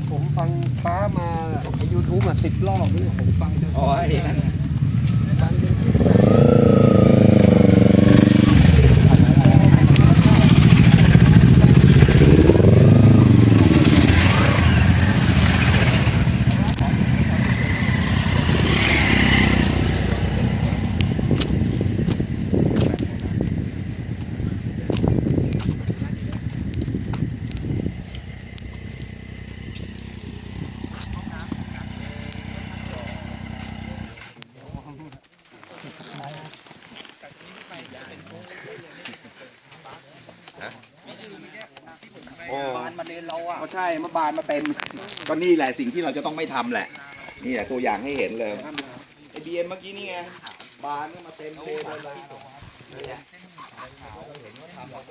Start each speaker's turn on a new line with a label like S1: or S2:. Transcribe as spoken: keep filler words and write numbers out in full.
S1: ผมฟังฟ้ามาไอยูทูบอ่ะสิบรอบนี่ผมฟังจน
S2: อ๋อไอ้นั่น
S1: ฟังจน
S2: โอ้บานมาเลนเราอ่ะก็ใช่เมื่อบานมาเต็มก็นี่แหละสิ่งที่เราจะต้องไม่ทำแหละนี่แหละตัวอย่างให้เห็นเลยไอบีเอ็มเมื่อกี้นี่ไงบานก็มาเต็มเลนเลย